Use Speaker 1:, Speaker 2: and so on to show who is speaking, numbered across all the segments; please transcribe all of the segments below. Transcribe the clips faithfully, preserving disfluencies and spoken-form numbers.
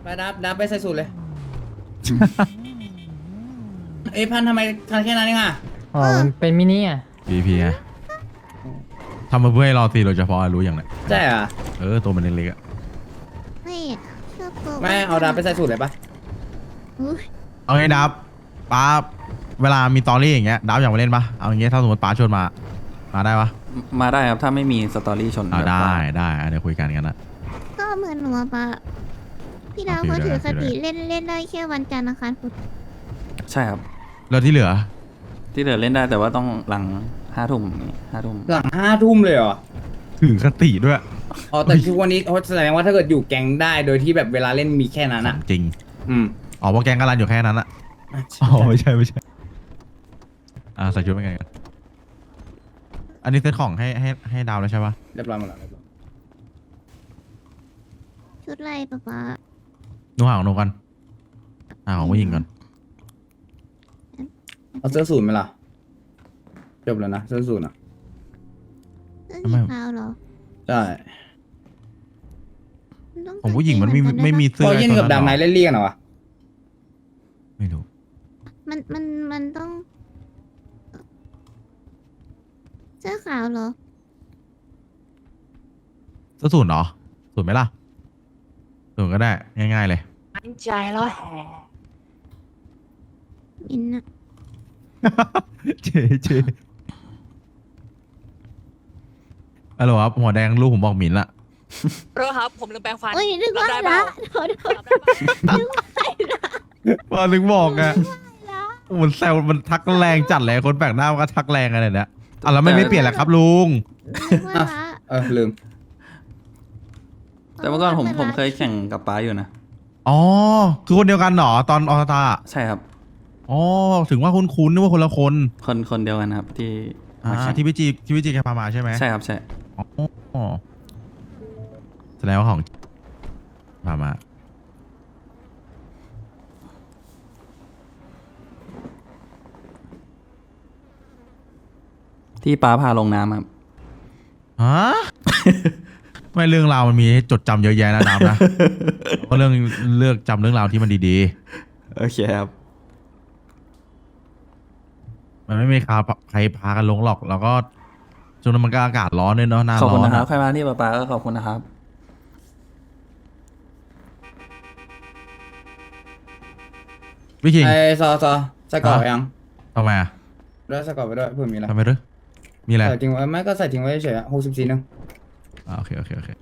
Speaker 1: ไปดับดับไปใส่สูตรเลย เอ้ยพันทำไมทันแค่นั้นเองอ่ะ
Speaker 2: อ๋อมันเป็นมินิอ่ะ
Speaker 3: พีพีไงทำมาเพื่อให้รอตีโดยเฉพาะรู้อย่างไร
Speaker 1: ใช่เหรอ
Speaker 3: เออตัวมันเล็กๆอ่ะ
Speaker 4: ไม่ชอบตัว
Speaker 1: ไม่เอาดับไปใส่สูตรเลยปะ
Speaker 4: อุ๊ย
Speaker 3: เอาไงดับป้าเวลามีตอรี่อย่างเงี้ยดับอยากมาเล่นปะเอาอย่างเงี้ยถ้าสมมติป้าชวนมามาได้ปะ
Speaker 5: มาได้ครับถ้าไม่มีสตอรี่ชน
Speaker 3: อ่า
Speaker 5: แบบ
Speaker 3: ได้
Speaker 5: ว่า
Speaker 3: ได้อ่ะเดี๋ยวคุยกันกันนะ
Speaker 4: ก็เหมือนหนูอะปะพี่ดาว
Speaker 3: โอเค
Speaker 4: เขาถือ
Speaker 3: ได้
Speaker 4: คติ
Speaker 3: ได้
Speaker 4: เล่นเล่นได้แค่วันจันทร์อังคารพุธ
Speaker 5: ใช่ครับ
Speaker 3: แล้วที่เหลือ
Speaker 5: ที่เหลือเล่นได้แต่ว่าต้องหลังห้าทุ่มห้าทุ่ม
Speaker 1: หลังห้าทุ่มเลยเหรอ
Speaker 3: ถึงคติด้วย
Speaker 1: อ๋อแต่ทุกวันนี้เขาแสดงว่าถ้าเกิดอยู่แก๊งได้โดยที่แบบเวลาเล่นมีแค่นั้นอ่ะ
Speaker 3: จริง
Speaker 1: อืม
Speaker 3: อ๋อเพราะแกงกาลันอยู่แค่นั้นอะอ๋อไม่ใช่ไม่ใช่อ่าใส่ชุดเป็นไงกันอันนี้เซตของให้ให้ให้ดาวแล้วใช่ปะ
Speaker 1: เรียบร้อยหมดแล้วเรียบร้อย
Speaker 4: ชุดอะไรปะปะ
Speaker 3: หนูหาของหนูกันหาของผู้หญิงก่อน
Speaker 1: เอาเสื้อสูทไหมล่ะจบแล้วนะเสื้อสูทอ่ะ
Speaker 4: เสื้อสีขาวเหรอ
Speaker 1: ใช่
Speaker 4: นต้
Speaker 3: ของผู้หญิงมันไม่
Speaker 4: ใส่
Speaker 3: ไม่มี
Speaker 4: เหอนกันด้ปะ
Speaker 3: เสื้อ
Speaker 1: พอเย็นกับดำไนท์เล่นเรียกเหรอวะ
Speaker 3: ไม่รู้
Speaker 4: มันมันมันต้องเสื้อขาวเหรอ
Speaker 3: เสื้อสูทเหรอสูทไหมล่ะสูทก็ได้ง่ายๆเลย
Speaker 2: มั่นใจแล้วแฮ
Speaker 4: มินอะ
Speaker 3: เจเจฮัลโหลครับหัวแดงลูกผมบอกหมิ่นละ
Speaker 6: โรครับ ผมลืมแปรงฟัน
Speaker 4: โอ้ยนึกว่า
Speaker 6: รับได้เป
Speaker 4: ละ
Speaker 6: ล่า
Speaker 4: โทษโทษ
Speaker 6: รับได้ปะ
Speaker 4: นึกว่าละ
Speaker 3: พอถึงบอกอะ
Speaker 4: ละ
Speaker 3: มันแซวมันทักแรงจัดเลยคนแปลกหน้ามันก็ทักแรงอะไรเนี่ยอ่ะแล้วไม่ไม่เปลี่ยนแหละครับลุง
Speaker 4: นึกว่าละ
Speaker 1: เออลืม
Speaker 5: แต่เมื่อก่อนผมผมเคยแข่งกับป้าอยู่นะ
Speaker 3: อ๋อคือคนเดียวกันเหรอตอนออสตา
Speaker 5: ใช่ครับ
Speaker 3: อ๋อถึงว่าคุ้นๆนึกว่าคนละคน
Speaker 5: คนคนเดียวกันครับที่
Speaker 3: อ่า
Speaker 5: มาแข่ง
Speaker 3: ที่พี่จีที่พี่จีแกพามาใช่ไหม
Speaker 5: ใช่ครับใช่
Speaker 3: อ๋อแสดงว่าของพามา
Speaker 5: ที่ป้าพาลงน้ำครับ
Speaker 3: ฮะ ไม่เรื่องราวมันมีให้จดจำเยอะแยะนะน้ำนะ ก็เรื่องเลือกจำเรื่องราวที่มันดี
Speaker 5: โอเคครับ
Speaker 3: ๆ มันไม่มีใครใครพากันลงหรอก แล้วก็ช่วงนั้นมันก็อากาศร้อนด้วยเนาะหน้า
Speaker 5: ขอบ
Speaker 3: ร้
Speaker 5: คุ
Speaker 3: อ
Speaker 5: ณ
Speaker 3: น
Speaker 5: นะครับ
Speaker 3: อะ
Speaker 5: ใครมาที่ป้าป้าก็ขอบคุณนะครับ
Speaker 3: พี่คิง
Speaker 1: ไอ้ซอซอใส่กรอบยัง
Speaker 3: ทำไมอ่ะ
Speaker 1: แล้วใส่กรอบไปด้วยเพื่อมีอะไร
Speaker 3: ทำไมหรือมีอะไร
Speaker 1: ใส่ทิ้งไว้ไม่ก็ใส่ทิ้งไว้เฉยๆหกสิบสี่นึง
Speaker 3: อ่าโอเคโอเคโอเค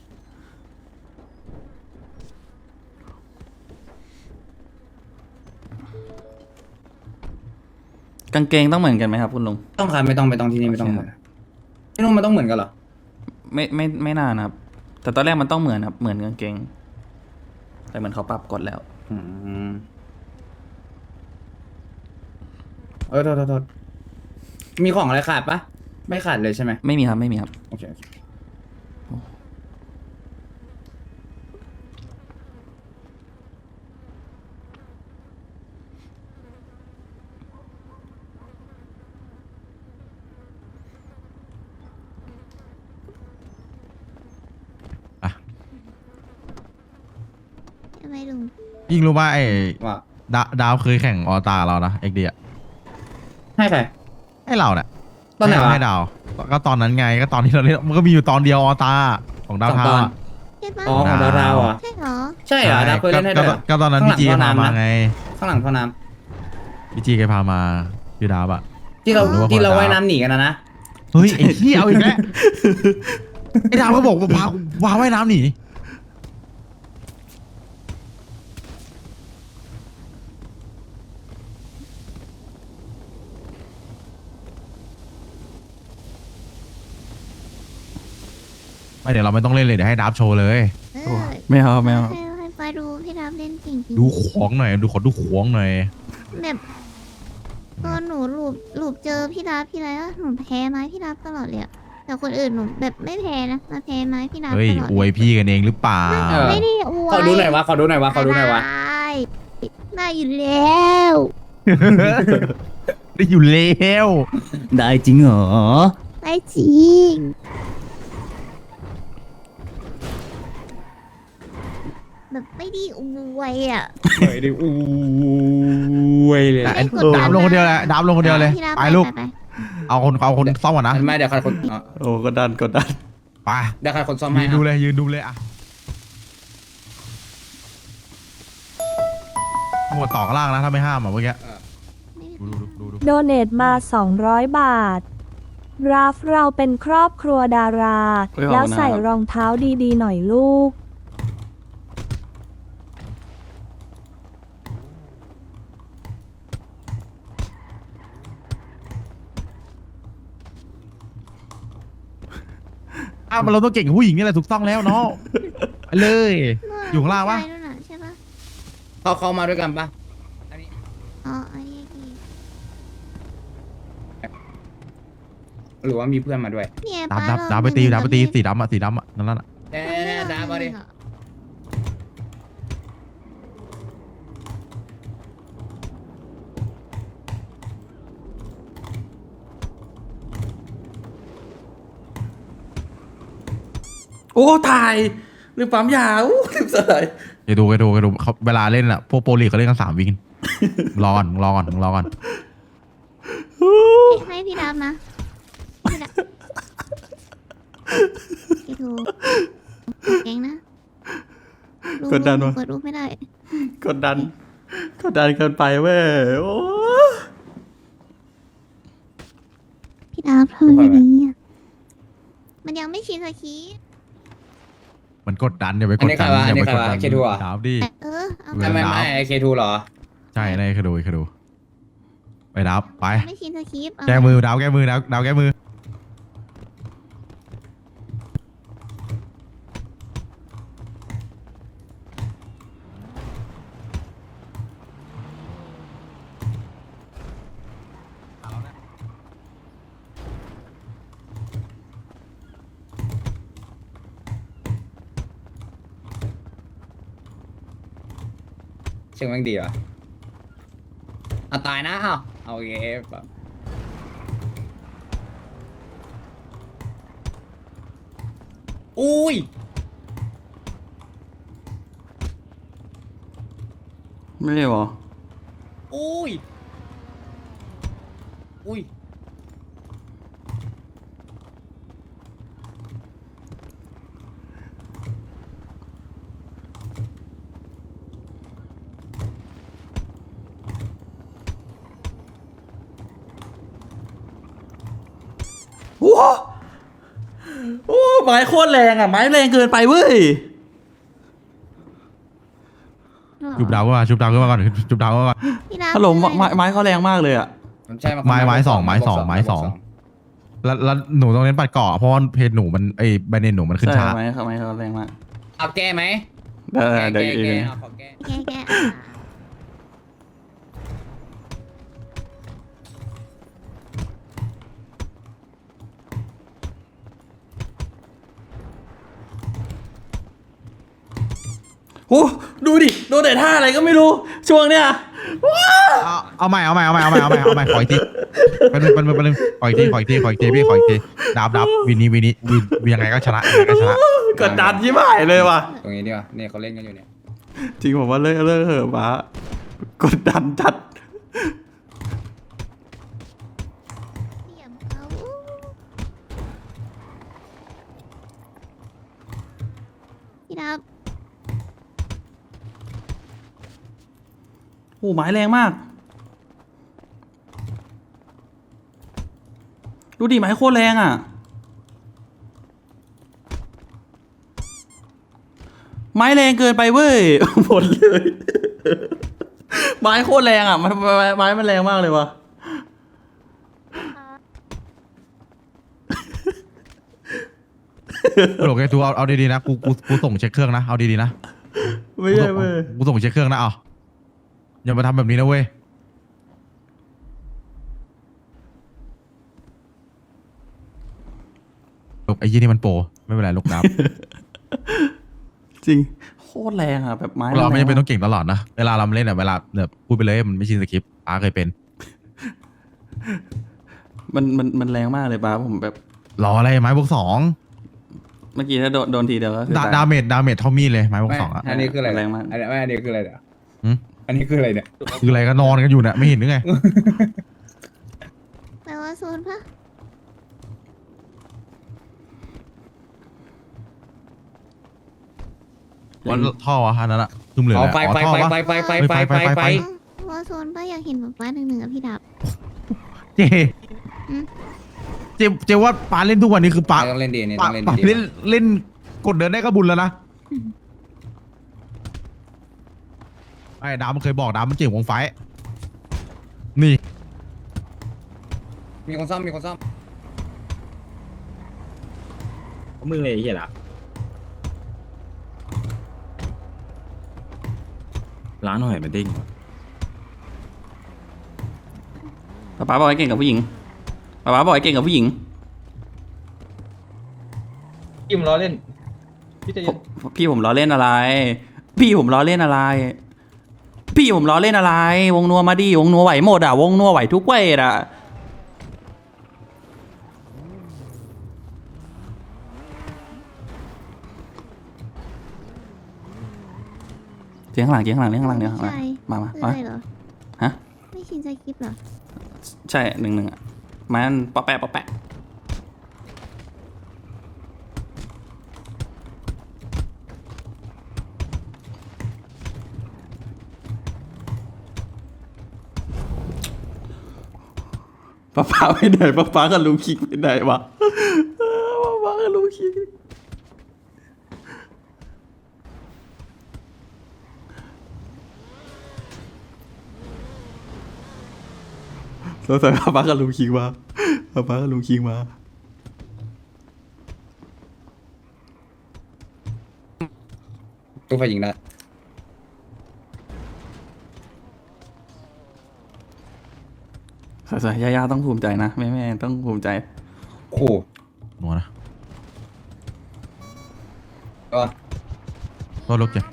Speaker 5: กางเกงต้องเหมือนกันไหมครับคุณลุง
Speaker 1: ต้องครับไม่ต้องไม่ต้องที่นี่ไม่ต้อง
Speaker 5: โอ
Speaker 1: เห
Speaker 5: เค
Speaker 1: มือนที่นู่นมันต้องเหมือนกันเหรอ
Speaker 5: ไม่ไม่ไม่นานนะครับ แต่ตอนแรกมันต้องเหมือนครับเหมือนกางเกง แต่เหมือนเขาปรับกฎแล้ว
Speaker 1: อืมเออโทษโทษโทษมีของอะไรขาดปะไม่ขาดเลยใช่ไหม
Speaker 5: ไม่มีครับไม่มีครับ
Speaker 1: โอเคโอเค
Speaker 4: ทำไมลุง
Speaker 3: ยิ่งรู้ว่าไอ้
Speaker 1: ว่า
Speaker 3: ดาดาวเคยแข่งออตาเรานะเอ็กดีอะ
Speaker 1: ให้ใคร
Speaker 3: ให้เราเนี่ย
Speaker 1: ตอนไหนวะ
Speaker 3: ให้ดาว ก็ตอนนั้นไงก็ตอนที่เราเล่นมันก็มีอยู่ตอนเดียวออตาของดาว
Speaker 1: สอง
Speaker 3: เทา
Speaker 1: ตอน
Speaker 3: อะ
Speaker 4: ใช่ปะ
Speaker 1: อ๋อของดาวดาวอ่ะ
Speaker 4: ใช่เหรอ
Speaker 1: ใช่เหรอดาวเคยเล่นให้ด้วยเหรอ
Speaker 3: ก็ตอนนั้น
Speaker 1: ข้างหลั
Speaker 3: พี่
Speaker 1: ง
Speaker 3: จี
Speaker 1: ท่อ
Speaker 3: พา
Speaker 1: น้ำ
Speaker 3: มา
Speaker 1: นะ
Speaker 3: ไง
Speaker 1: ข้างหลังท่อน้
Speaker 3: พี่จีแกพามาพี่ดาวอะ
Speaker 1: ำที่เรา
Speaker 3: หรือว่า
Speaker 1: ที่เรา
Speaker 3: คนละดาว
Speaker 1: ว่ายน้ำหนีกันนะนะ
Speaker 3: เฮ้ยไอ้ที่เอาอีกแล้ว ไอ้ดาวก็บอกว่าพาพาว่ายน้ำหนีไม่เดี๋ยวเราไม่ต้องเล่นเลยเดี๋ยวให้ดับโชว์เลย
Speaker 4: เออ
Speaker 5: ไม่เอาไม่เอา
Speaker 4: ให้ให้ไปดูพี่รับเล่นจริงจริง
Speaker 3: ดูของหน่อยดูขอดูของหน่อย
Speaker 4: แบบตอนหนูหลูบหลูบเจอพี่รับพี่ไรอะหนูแพ้ไม้พี่รับตลอดเลยอะแต่คนอื่นหนูแบบไม่แพ้นะมาแพ้ไม้พี่รับ
Speaker 3: เฮ้ย
Speaker 4: ตลอด
Speaker 3: อวยพี่กันเองหรือเปล่า
Speaker 1: เออ
Speaker 4: ไม่ได้อวย
Speaker 1: ขอดูหน่อยวะขอดูหน่อยวะขอดูหน่อยวะ
Speaker 4: ได้ได้อยู่แล้ว
Speaker 3: ได้อยู่แล้ว
Speaker 5: ได้จริงเหรอ
Speaker 4: ได้จริงแบบไม่ไดีอวยอ่ะ
Speaker 1: เฮ้ยดิอู้ยเลย
Speaker 3: แต่ไอ้
Speaker 4: ไม่กดดัน
Speaker 3: ดามลงคนเดียวเลยดามลงคนเดียวเลย
Speaker 4: พี่ดา
Speaker 3: ไปลูก
Speaker 4: ไป
Speaker 3: เอาคนเอาคนซ่อมก่อนนะ
Speaker 1: ไม่เดี๋ยวใครคนอ๋อ
Speaker 5: โอ้กดดันกดดัน
Speaker 3: ไป
Speaker 1: เดี๋ยวใครคนซ่อม
Speaker 3: ยื
Speaker 1: ให้
Speaker 3: นดู
Speaker 1: อ่ะ
Speaker 3: เลยยืนดูเลยอะหมวดต่อข้างล่างนะถ้าไม่ห้ามอ่ะเมื่อกี้
Speaker 4: ไม่
Speaker 3: ดูดูดูดู
Speaker 7: โดเนทมา สองร้อย บาท ราฟเราเป็นครอบครัวดารา
Speaker 5: เฮ้ยขอบคุณ
Speaker 7: แล้วใส่
Speaker 5: นะครับ
Speaker 7: รองเท้าดีๆหน่อยลูก
Speaker 3: อ้าวมันเราต้องเก่งกับผู้หญิงนี่แหละถูกต้องแล้วเนาะไปเลย อยู่ข้างล่างปะ
Speaker 4: ใช่ด้วยน่ใช่ปะ
Speaker 1: เขาเขามาด้วยกันปะอันนี้
Speaker 4: อ๋ออันนี้อีก
Speaker 1: หรือว่ามีเพื่อนมาด้วย
Speaker 4: เนี่ย
Speaker 3: ดับ
Speaker 4: ป้า
Speaker 3: ดับ
Speaker 4: เรา
Speaker 3: ดับไปตี
Speaker 4: เหมือน
Speaker 3: ดับไปตี
Speaker 4: กับ
Speaker 3: สีดำอ่ะสีดำอ่ะนั่นน่ะ
Speaker 1: เน่เน่ดามาดิ
Speaker 5: โอ้ถ่ายลืมปั๊มยาอู้ลืมสไลด์
Speaker 3: แกดูแกดูแกดูเขาเวลาเล่นอ่ะพวกโปรลีกเขาเล่นกันสามวินรอก่อนรอก่อนรอก่อน
Speaker 4: ให้พี่ดำนะพี่ดำพี่ทูเก่งนะรูป
Speaker 5: กดดันวะ
Speaker 4: เปิดรูปไม่ได้
Speaker 5: กดดันกดดันเกินไปเว้ยโอ้
Speaker 4: พี่ดำทำแบบนี้อ่ะมันยังไม่ชินสกี
Speaker 3: มันกดดันอย่าไปกดดันอย่าไปกดดันดาวดิ
Speaker 4: เออเอา
Speaker 3: เว
Speaker 1: ไม่
Speaker 3: ลา
Speaker 1: ไม่ไม่เคทูเหรอ
Speaker 3: ใช่ในเคยดูเคยดูไปดับไป
Speaker 4: ไม่ชินสกีเอา
Speaker 3: แก้มือดาวแก้มือดาวดาวแก้มือ
Speaker 1: เชิงแม่งดีวะเอาตายนะเอาเอาโอเคแบบอุ้ย
Speaker 5: ไม่ได้หรอ
Speaker 1: อุ้ยอุ้ย
Speaker 5: โอ้โอ้ไม้โคตรแรงอ่ะไม้แรงเกินไปเว้ย
Speaker 3: ชุบดาวขึ้นมาชุบดาวขึ้นมาก่อนชุบดาวขึ้นมาก่อน
Speaker 4: พี่ดำ
Speaker 5: ฮัลโหล
Speaker 4: คืออะไร
Speaker 5: ไม้ไม้เขาแรงมากเลยอ่ะ
Speaker 1: ใช่
Speaker 3: ไม้ไม้สองไม้สองไม้สอง แล้วแล้วหนูต้องเน้นปัดเกาะเพราะว่าเพจหนูมันไอ้แบรนด์เนมหนูมันขึ้น
Speaker 5: ใช่
Speaker 3: ช้า
Speaker 5: ไม้เขาไม้เขาแรงมาก
Speaker 1: เอาแก้ไหม
Speaker 5: เดี๋ยว
Speaker 1: แก้
Speaker 5: เดี๋ยว
Speaker 1: แก้
Speaker 5: อีก
Speaker 1: แก้
Speaker 5: ที
Speaker 1: เอาขอแก้
Speaker 4: แกแกอ่ะ
Speaker 5: โอ้ดูดิโดนแต่ท่าอะไรก็ไม่รู้ช่วงเนี้ยว้า
Speaker 3: เอาเอาใหม่เอาใหม่เอาใหม่เอาใหม่เอาใหม่เอาใหม่ขออีกทีไปหนึ่งไปหนึ่งไปหนึ่งขออีกทีขออีกทีขออีกทีพี่ขออีกทีดับดับวินนี้วินนี้วินวินยังไงก็ชนะยังไงก็ชนะ
Speaker 5: กดดันยิ่งหายเลยว่ะ
Speaker 1: ตรงนี้ดีกว่าเนี่ยเขาเล่นกันอยู่เนี่ย
Speaker 5: จริงผมว่าเลิกเลิกเหอะป้ากดดันจัด
Speaker 4: เสียบเขาพี่ดำ
Speaker 5: โอ้ไม้แรงมาก ดูดิไม้โคตรแรงอ่ะ ไม้แรงเกินไปเว้ย หมดเลย ไม้โคตรแรงอ่ะมันไม้ไม้มันแรงมากเลยวะ
Speaker 3: โหลแกทูเอาเอาดีๆนะกูกูกูส่งเช็คเครื่องนะเอาดีๆนะ
Speaker 5: ไม่ใช่เว้ย
Speaker 3: กูส่งเช็คเครื่องนะเอาอย่ามาทำแบบนี้นะเว้ยลูกไอ้ยี่นี่มันโปรไม่เป็นไรลูกดับ
Speaker 5: จริง โคตรแรงอ่ะแบบไม้
Speaker 3: เราไม่จำเป็น
Speaker 5: แร
Speaker 3: ต้องเก่งตลอดนะเวลาเราเล่นอะเวลาแบบพูดไปเลยมันไม่ชินสคริปต์ป้าเคยเป็น
Speaker 5: มันมันมันแรงมากเลยป้าผมแบบ
Speaker 3: รออะไรไม้บวกสอง
Speaker 5: เมื่อกี้ถ้าโดนโดนทีเดียวก็คือ
Speaker 3: ดา
Speaker 5: ตาย
Speaker 3: ดาเมจดาเมจเท่ามีดเลยไม้บวก
Speaker 1: ไม่
Speaker 3: สองอ่ะ
Speaker 1: อันนี้คืออะไร
Speaker 5: แรงมาก
Speaker 1: อันนี้ไม่อันนี้คืออะไรเนี่ย
Speaker 3: หืม
Speaker 1: อันนี้คืออะไรเนี่ย
Speaker 3: คืออะไรก็นอนกันอยู่เนี่ยไม่เห็นหรือไง
Speaker 4: แปลว่าโซนปะ
Speaker 3: วันท่อวะอันนั้นอะคือเหลือ
Speaker 1: อ๋อ
Speaker 3: อะไร
Speaker 1: ไฟ
Speaker 3: อ๋อ
Speaker 1: ไฟ
Speaker 3: ท่อ
Speaker 1: ไฟ
Speaker 3: วะ
Speaker 1: ไฟไฟไฟไฟไฟไฟ
Speaker 4: ว่าโซนปะอยากเห็นแบบป้าหนึ่งหนึ่งกับพี่ดับ
Speaker 3: เจ
Speaker 4: อืม
Speaker 3: เจเจว่าปาเล่นทุกวันนี้คือปา
Speaker 1: ต้องเล่นดีนี่
Speaker 3: ปา
Speaker 1: ต้องเล่น
Speaker 3: ปา
Speaker 1: ดี
Speaker 3: เล่นเล่นกดเดินได้ก็บุญแล้วนะไอ้ดาวมันเคยบอกดาวมันเจ๋งวงไฟนี่
Speaker 1: มีคนซ่อมมีคนซ่อม
Speaker 8: มึงเลยไอ้เหี้ยละล้างหน่อยมันเด้ง
Speaker 5: ป๊าป๊าบอกให้เก่งกับผู้หญิงป๊าป๊าบอกให้เก่งกับผู้หญิง
Speaker 2: กิมล้อเล่น พี่จะ
Speaker 5: ผมพี่ผมล้อเล่นอะไร พี่ผมล้อเล่นอะไร พี่ผมล้อเล่นอะไร วงนัวมาดิวงนัวไหวหมดอ่ะ วงนัวไหวทุกเวทอ่ะ เจียงข้างหลังเจียงข้างหลังเจียงข้างหลังเจียงข้างหลัง
Speaker 4: ใช่
Speaker 5: มามา
Speaker 4: คือ
Speaker 5: มา
Speaker 4: อะไรเหรอ
Speaker 5: ฮะ
Speaker 4: ไม่ชินใจคลิปเหรอ
Speaker 5: ใช่หนึ่งหนึ่งอ่ะมันปะแปะปะแปะป้าป้าไปไหนป้าป้ากับลุงคิกไปไหนวะป้าป้ากับลุงคิกสงสัยป้าป้ากับลุงคิกมาป้าป้ากับลุงคิกมา
Speaker 1: ตู้ไฟยิงได้
Speaker 5: สวยๆย่าๆต้องภูมิใจนะแม่ๆต้องภูมิใจ
Speaker 1: โอ้โห
Speaker 3: หนัวนะ
Speaker 1: ก็
Speaker 3: ก็ลุกเจ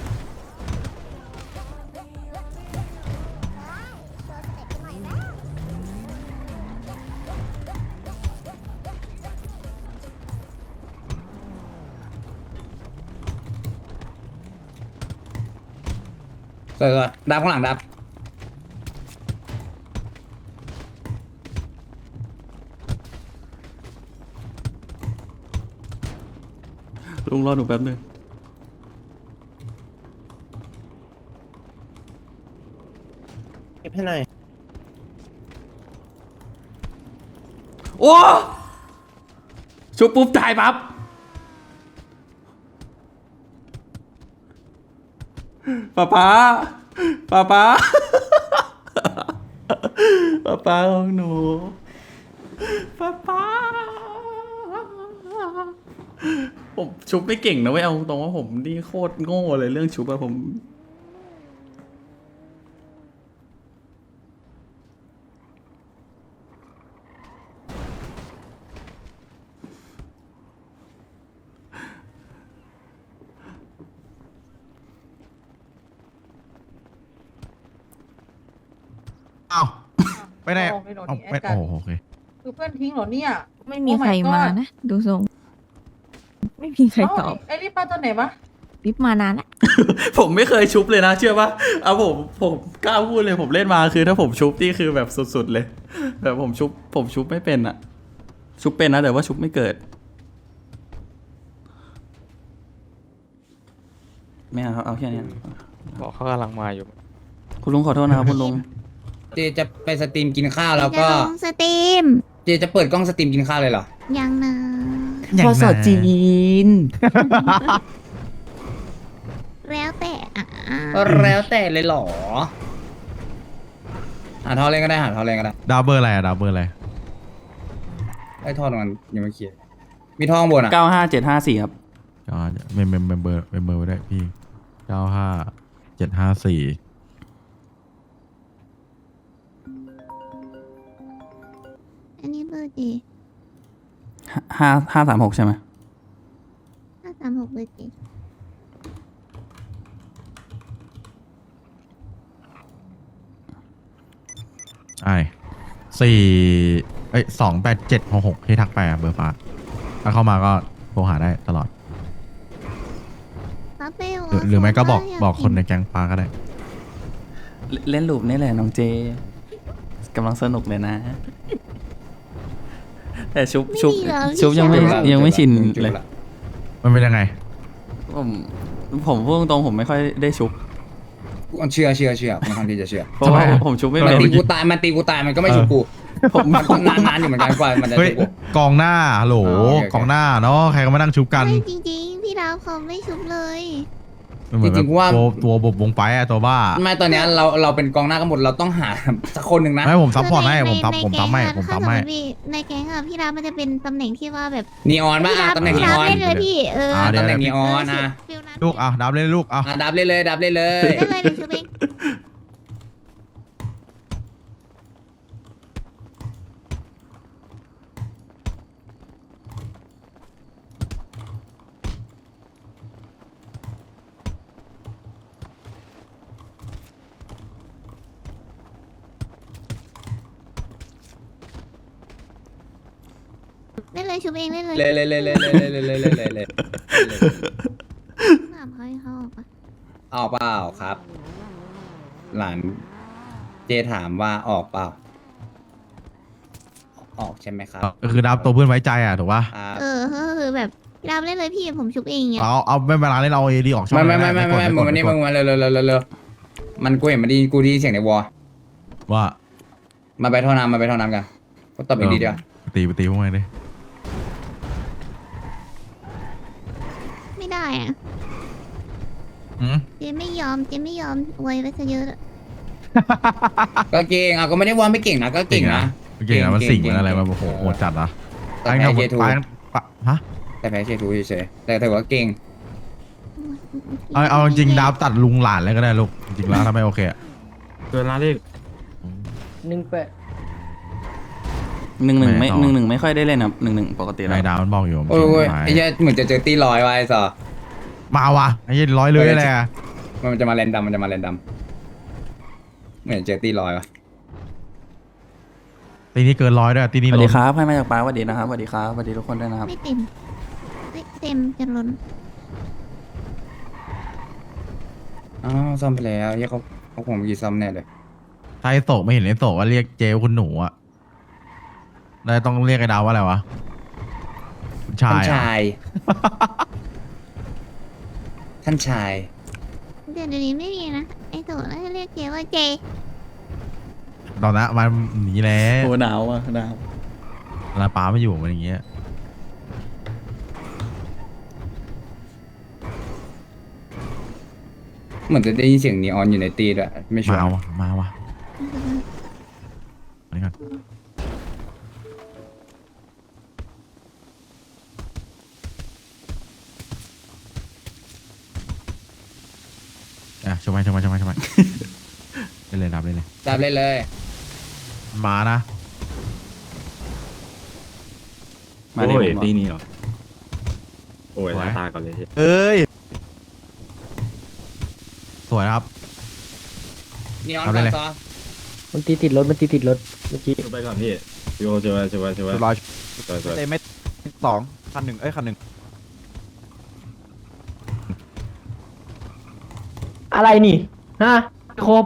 Speaker 1: เออดับข้างหลังดับ
Speaker 5: ลุงรอหนูแป๊บนึง
Speaker 8: เก็บให้หน่อย
Speaker 5: โอ้ชุบปุ๊บตายปั๊บป๊าป๊าป๊าป๊าป๊าป๊าของหนูป๊าป๊าผมชุบไม่เก่งนะเว้ยเอาตรงว่าผมนี่โคตรโง่เลยเรื่องชุบอะผม
Speaker 3: อ้าวไปไหน
Speaker 2: เอาไม่โดน
Speaker 3: เอา
Speaker 2: แอด
Speaker 3: ไป
Speaker 2: กัน
Speaker 3: โอ้โหโอเค
Speaker 2: คือเพื่อนทิ้งเหรอเนี่ย
Speaker 9: ไม่มีใคร
Speaker 2: Oh my
Speaker 9: มา
Speaker 2: god
Speaker 9: นะ ดูทรง ไม่มีใครตอบ
Speaker 2: เาไอ้นี่ป้าตัวไหนวะ
Speaker 9: ปิ๊บมานานละ
Speaker 5: ผมไม่เคยชุบเลยนะเชื่อปะเอาผมผมกล้าพูดเลยผมเล่นมาคือถ้าผมชุบนี่คือแบบสุดๆเลยแบบผมชุบผมชุบไม่เป็นอะชุบเป็นนะแต่ว่าชุบไม่เกิดไม่เอาครับเอาแค่เนี้ย
Speaker 2: บอกเขากำลังมาอยู่
Speaker 5: คุณลุงขอโทษนะครับคุณลุง
Speaker 1: เจจะไปสตรีมกินข้าวแล้วก็
Speaker 4: จะลงสตรีม
Speaker 1: เจจะเปิดกล้องสตรีมกินข้าวเลยเหรอ
Speaker 4: ยังนะ
Speaker 3: อย่างนั้น
Speaker 5: ภาษาจีน
Speaker 4: แล้วแต่อ่ะ
Speaker 1: แล้วแต่เลยเหรอหาท่อเล่นก็ได้หาท่อเล่นก็ได้
Speaker 3: ดาวเบอร์อะไรอะดาวเบอร์อะไร
Speaker 1: ไอ้ท่อตรงนั้นยังไม่เคลียร์มีท่อข้างบนอ่ะ
Speaker 5: เก้าห้าเจ็ดห้าสี่ครับ
Speaker 3: ก็เมมเมมเมมเบอร์เมมเบอร์ไว้ได้พี่เก้าห้าเจ็ดห้าสี่
Speaker 4: อันนี้เบอร์จี
Speaker 5: ห้าห้าสามหกใช่ไหม
Speaker 4: ห้าสามหกเบอร์จี
Speaker 3: ไอ้สี่เอ้ยสองแปดเจ็ดหกหกที่ทักไปอะเบอร์ฟ้าถ้าเข้ามาก็โทรหาได้ตลอด
Speaker 4: ป้าเป้
Speaker 3: หรือหรือไม่ก็บอกบอกคนในแก๊งปาก็ได้
Speaker 5: เล่นเล่นลูปนี่แหละน้องเจกำลังสนุกเลยนะ แต่ชุบชุบชุบยังไม่ยังไม่ชินเลย
Speaker 3: มันเป็นยังไง
Speaker 5: ผมผมพูดตรงๆผมไม่ค่อยได้ชุบ
Speaker 1: เชื่อเชื่อเชื่อค่อนข้างที่จะเชื่อ
Speaker 5: เพราะว่า
Speaker 3: ทำไมอะ
Speaker 5: ผมชุบไม่
Speaker 1: มัน
Speaker 5: เป็น
Speaker 1: ตีกูตายมันตีกูตายมันก็ไม่ชุบกู
Speaker 5: ผม
Speaker 1: มันก็นานๆอยู่เหมือนกันกว่ามันจะ
Speaker 3: เฮ้ย
Speaker 1: ชุบกู
Speaker 3: กองหน้าฮัลโหล
Speaker 1: อ๋อโอเคโอเค
Speaker 3: กองหน้าเนาะใครก็มานั่งชุบกัน
Speaker 4: ไม่จริงๆ พี่ดาวเขาไม่ชุบเลย
Speaker 3: มันเหมือน
Speaker 1: จริงๆว่า
Speaker 3: ตัวตัวบบวงไปอะตัวบ้า
Speaker 1: ไม่ตอนเนี้ยเราเราเป็นกองหน้ากันหมดเราต้องหาสักคนหนึ่งนะ
Speaker 3: ไม่ผมซัพพอร์ตให้
Speaker 4: คือ
Speaker 3: ผมซับ
Speaker 4: ใน
Speaker 3: ผมซับให้
Speaker 4: ใน
Speaker 3: ผม
Speaker 4: แก๊
Speaker 3: ซั
Speaker 4: ง
Speaker 3: บ
Speaker 4: อะ
Speaker 3: ให้
Speaker 4: ถ้าสมมติพี่ในแก๊งอะพี่ดาวมันจะเป็นตำแหน่งที่ว่าแบบ
Speaker 1: นีออนป่ะ
Speaker 4: พี่
Speaker 1: อ่ะ
Speaker 4: ดาว
Speaker 1: ตำแหน่ง
Speaker 4: พี่
Speaker 1: นี
Speaker 4: ดาว
Speaker 1: ออน
Speaker 4: เล่นเลยพี่เออ
Speaker 3: อ่าเดี๋ยว
Speaker 1: ตำแหน่งนีออนอ่ะ
Speaker 4: ฟิลนั้น
Speaker 3: ลูกอ่ะดับเลยลูกอ่ะ
Speaker 1: อ่ะดับเลยเลยดับเลยเลย
Speaker 4: เล่นเลยหนูชุบเอง เล่นเลยชุบเองเล่นเลย
Speaker 1: เลยเลยเลยเลยเลยเลยเลยเลยเลยเลย
Speaker 4: ถามเขาให้เขาออกปะ
Speaker 1: เอาเปล่าครับ หลานเจถามว่าออกเปล่า ออกใช่ไหมครับ
Speaker 3: ก็คือดับตัวเพื่อนไว้ใจอ่ะถูกป่ะ
Speaker 1: อ่า
Speaker 4: เออก็คือแบบพี่ดาวเล่นเลยพี่ผมชุบเองอย่างเงี้ย
Speaker 3: เอาเอาไม่เวลาเล่นเอาเอดีออกช่อง
Speaker 1: ไม่ไม่ไม่ไม่ไม่มึงมานี่มึงมาเร็วเร็วเร็วเร็วเร็วมันกูเห็นมันไดีกูไดีเสียงในวอล
Speaker 3: ว่า
Speaker 1: มาไปท่อน้ำมาไปท่อน้ำกันก็ตบอีกทีเดียว
Speaker 3: ตีไปตีพวกมันดิ
Speaker 4: ไม่ได้อะ
Speaker 3: อืม
Speaker 4: เจไม่ยอมเจไม่ยอมอวยไปซะเยอะแล้ว
Speaker 1: ก็เก่งอ่ะก็ไม่ได้ว่าไม่เก่งนะก็เก่งนะ
Speaker 3: เก่งนะมันสิ่งมันอะไรมาโอ้โหโหดจัดนะ
Speaker 1: แต่แพ้เจทู
Speaker 3: ไปปะฮะ
Speaker 1: แต่แพ้เจทูเฉยๆแต่ถือว่าเก่ง
Speaker 3: เอาเอาจริงๆดับตัดลุงหลานเลยก็ได้ลูกจริงๆแล้วถ้าไม่โอเคอะ
Speaker 8: เกินละเลข
Speaker 2: หนึ่งแปด
Speaker 5: หนึ่งหนึ่งไม่
Speaker 3: ไม่ต่อ
Speaker 5: หนึ่งหนึ่งไม่ค่อยได้เล่นครับหนึ่งหนึ่งปกติแล้
Speaker 3: นายว ดาวมันบอกอยู่
Speaker 1: โอ้ย
Speaker 3: ไ
Speaker 1: ไอ้เหี้ยเหมือนจะเจอตีลอยไว้สอ
Speaker 3: มาว่ะไอ้ยี่ร้อยเลยแหละ
Speaker 1: มันจะมาแรนดัมมันจะมาแรนดัมเหมือนเจอตีลอยวะ
Speaker 3: ตีนี้เกินร้อยด้วยตีนี้
Speaker 5: สวัส
Speaker 3: ล้
Speaker 5: ดี
Speaker 3: น
Speaker 5: ครับให้มาจากป้าสวัสดีนะครับสวัสดีครับสวัสดีทุกคนด้วยนะครับ
Speaker 4: ไม่เต็มไม่เต็มจะล้น
Speaker 1: อ้าวซ่อมไปแล้วเหี้ยเขาเขาคงมีซ่อมแน่เลย
Speaker 3: ถ้าไอ้โศกไม่เห็นไอ้โศกว่าเรียกเจว่าคุณหนูอะแล้วต้องเรียกไอ้ดาวว่าอะไรวะคุณชา
Speaker 1: ท่าน
Speaker 3: ยอะ
Speaker 1: ชาย ท่านชาย
Speaker 4: เดี๋ยวเดี๋ยวนี้ไม่มีนะไอ้โตแล้วให้เรียกเจว่าเจ
Speaker 3: ตอนนั้นมันหนีแล้ว
Speaker 5: โอ้หนาวอ่ะหนาว
Speaker 3: ลาป้าไม่อยู่มันอย่างเงี้ย
Speaker 1: เหมือนจะได้ยินเสียงนีออนอยู่ในตีด้วยไม่ชัว
Speaker 3: มา
Speaker 1: ร์
Speaker 3: วะมาวะอันนี้ก่อนอ่ะชมไปชมไปชมไปชมไป เล่นเลยรับเล่นเลย
Speaker 1: จับเลยเลย
Speaker 3: มานะ
Speaker 5: มา
Speaker 8: โอ้
Speaker 5: เลย
Speaker 8: ย
Speaker 5: ผม
Speaker 8: ตีนี้เหรอ โอ้ย
Speaker 3: สวย
Speaker 8: ล้างตาก่อนเลย
Speaker 3: เอ้ย สวยนะครับ
Speaker 1: นีออน
Speaker 3: เอาได้เลย
Speaker 1: ซอ
Speaker 2: มันตีติดรถมันตีติดรถเมื่อกี้
Speaker 8: ไปก่อนพี่โยเจอเจอเจอ
Speaker 10: ร้อย
Speaker 8: เจอเจอ
Speaker 10: เตเม็ดสองคันหนึ่งเอ้ยคันหนึ่ง
Speaker 2: อะไรนี่ฮะครบ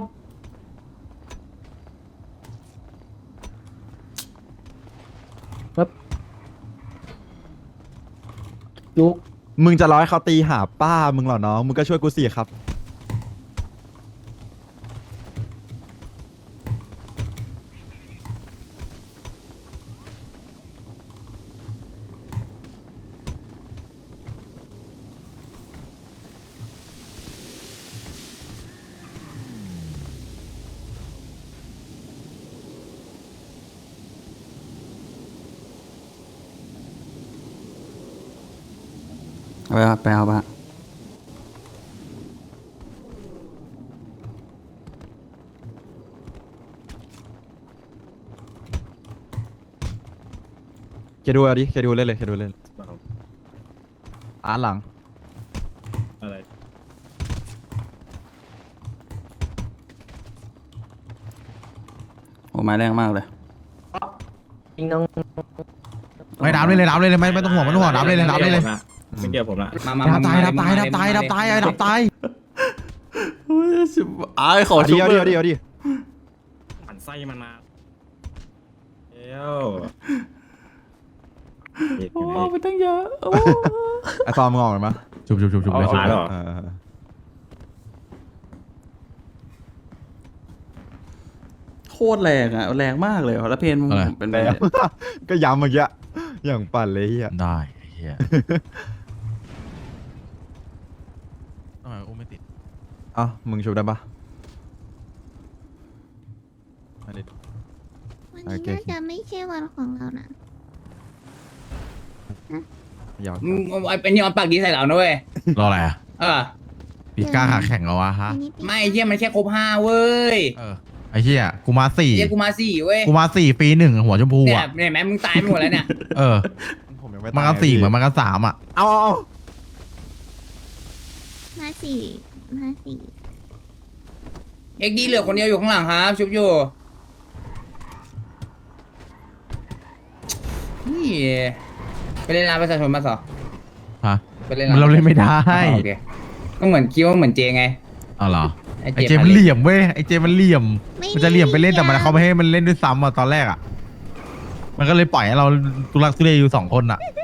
Speaker 2: ครับลุก
Speaker 10: มึงจะร้อยเขาตีหาป้ามึงเหรอน้อง มึงก็ช่วยกูสิครับ
Speaker 5: เอาไปครับไปเอาปะ
Speaker 10: เคดูเอาดิเคดูเล่นเลยเคดูเล่นอ่านหลัง
Speaker 8: อะไร
Speaker 5: โอ้ไม้แรงมากเลย
Speaker 2: ยิงน้อง
Speaker 5: โอ้
Speaker 3: ไม่ดับเลยเลยดับเลยเลยไม่ไม่ต้องห่วงไม่ต้องห่วงดับเลยเลยดับเลยเลย
Speaker 8: ไม่เกี่ยวผมละ
Speaker 1: มามา
Speaker 3: ดับ
Speaker 1: มา
Speaker 3: ตาย
Speaker 1: ม
Speaker 3: ดับตายดับตายดับตายไอ้ดับตาย
Speaker 5: เฮ้ยชิบอายขอ
Speaker 10: เอา
Speaker 5: ชุ
Speaker 10: ดิ
Speaker 5: บ
Speaker 10: เอา
Speaker 5: เล
Speaker 10: ดิ
Speaker 5: ย
Speaker 10: เอาดิเอาดิ
Speaker 8: หันไส้มันมาเอ้ว
Speaker 5: โอ้ไปตั้งเยอะโอ้
Speaker 10: ไอ้ซอมมึงออกกันปะ
Speaker 3: ชุบชุบชุบชุบเลยชุบ
Speaker 8: เอา
Speaker 3: เลย
Speaker 8: เหรอ
Speaker 10: เออ
Speaker 5: โคตรแรงอะแรงมากเลยแล้วเพนมึงเป็น
Speaker 10: แต่ ก็ย้ำเมื่อกี้อย่างปั่นเลยเฮีย
Speaker 3: ได้ไอ้เฮียทำไมอุ้มไม่ติด
Speaker 10: เอ้ามึงชุบได้ปะไม่ได้
Speaker 4: วัน
Speaker 10: โอ
Speaker 4: นี้
Speaker 10: เค
Speaker 4: น่าจะไม่ใช่วันของเรานะ
Speaker 10: ยาว
Speaker 1: มึงไอ้เป็นยอนปากดีใส่เรานะเว้ย
Speaker 3: รออะไรอ่ะ
Speaker 1: เออ
Speaker 3: ปีกล้าขาแข่งเหรอวะฮะ
Speaker 4: วันนี้ปี
Speaker 1: ไม่เฮียมันแค่ครบห้าเว้ย
Speaker 3: เออไอ้เฮียกูมาสี่
Speaker 1: เฮียกูมาสี่เว้ย
Speaker 3: กูมาสี่ปีหนึ่งหัวชมพู
Speaker 1: เนี่ย
Speaker 3: อ่ะ
Speaker 1: เนี่ยแม่มึงตายไปหมดแล้วเนี่ย
Speaker 3: เออ
Speaker 10: ผมยังไม่
Speaker 3: มันก็สี่เหมือนมันก็สามอ่ะ
Speaker 10: เอาเอาเอา
Speaker 4: มาสี่มาสี่
Speaker 1: เอ็กดีเหลือคนเดียวอยู่ข้างหลังครับชุบอยู่นี่ไปเล่นร้านประชาชนมาสอ
Speaker 3: ฮะ
Speaker 1: ไปเล่น
Speaker 3: มันเราเล่นไม่ได้
Speaker 1: อ๋อโอเคก็เหมือนคิดว่าเหมือนเจไง
Speaker 3: เอาเหรอ
Speaker 1: ไอ้
Speaker 3: ไอ้
Speaker 1: เจ
Speaker 3: เจมันเหลี่ยมเว้ยไอ้เจมันเหลี่ยม
Speaker 4: ไม่
Speaker 3: มันจะเหลี่ยมไปเล่นแต่มันเขาไม่ให้มันเล่นด้วยซ้ำอ่ะตอนแรกอ่ะ มันก็เลยปล่อยให้เราตุลักตุเลอยู่สองคนอ่ะ
Speaker 4: ไม่